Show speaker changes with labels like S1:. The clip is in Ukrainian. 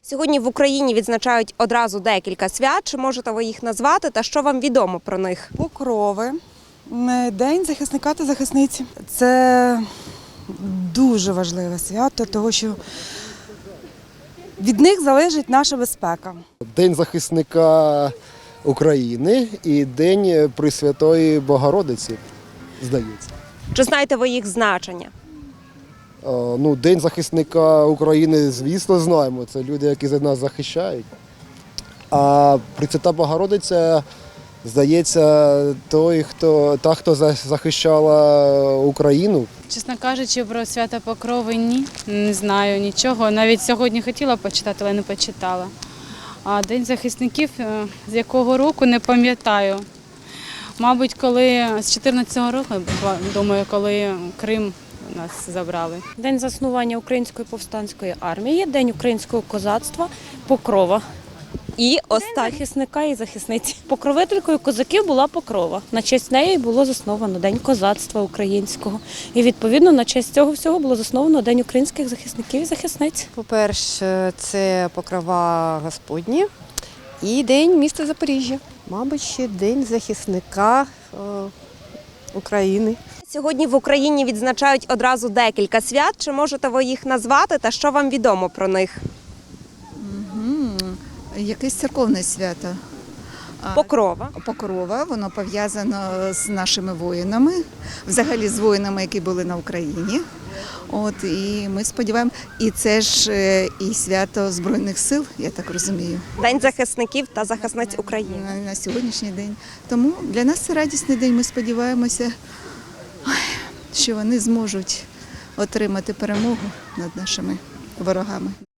S1: Сьогодні в Україні відзначають одразу декілька свят. Чи можете ви їх назвати та що вам відомо про них?
S2: Покрови, День захисника та захисниці. Це дуже важливе свято, тому що від них залежить наша безпека.
S3: День захисника України і День Пресвятої Богородиці, здається.
S1: Чи знаєте ви їх значення?
S3: День захисника України, звісно, знаємо. Це люди, які за нас захищають. А Пресвята Богородиця, здається, та, хто захищала Україну.
S4: Чесно кажучи, про свято Покрови ні, не знаю нічого. Навіть сьогодні хотіла почитати, але не почитала. А День захисників, з якого року, не пам'ятаю. Мабуть, коли з 14-го року, думаю, коли Крим нас забрали.
S5: День заснування Української повстанської армії, День українського козацтва, Покрова.
S1: І
S5: День захисника і захисниці. Покровителькою козаків була Покрова. На честь неї було засновано День козацтва українського. І відповідно на честь цього всього було засновано День українських захисників і захисниць.
S6: По-перше, це Покрова Господні і День міста Запоріжжя. Мабуть, ще День захисника України.
S1: Сьогодні в Україні відзначають одразу декілька свят. Чи можете ви їх назвати та що вам відомо про них?
S7: Якесь церковне свято.
S1: Покрова.
S7: Покрова, воно пов'язано з нашими воїнами, взагалі з воїнами, які були на Україні. І ми сподіваємося, і це ж і свято Збройних сил, я так розумію.
S1: День захисників та захисниць України.
S7: На сьогоднішній день. Тому для нас це радісний день, ми сподіваємося, що вони зможуть отримати перемогу над нашими ворогами.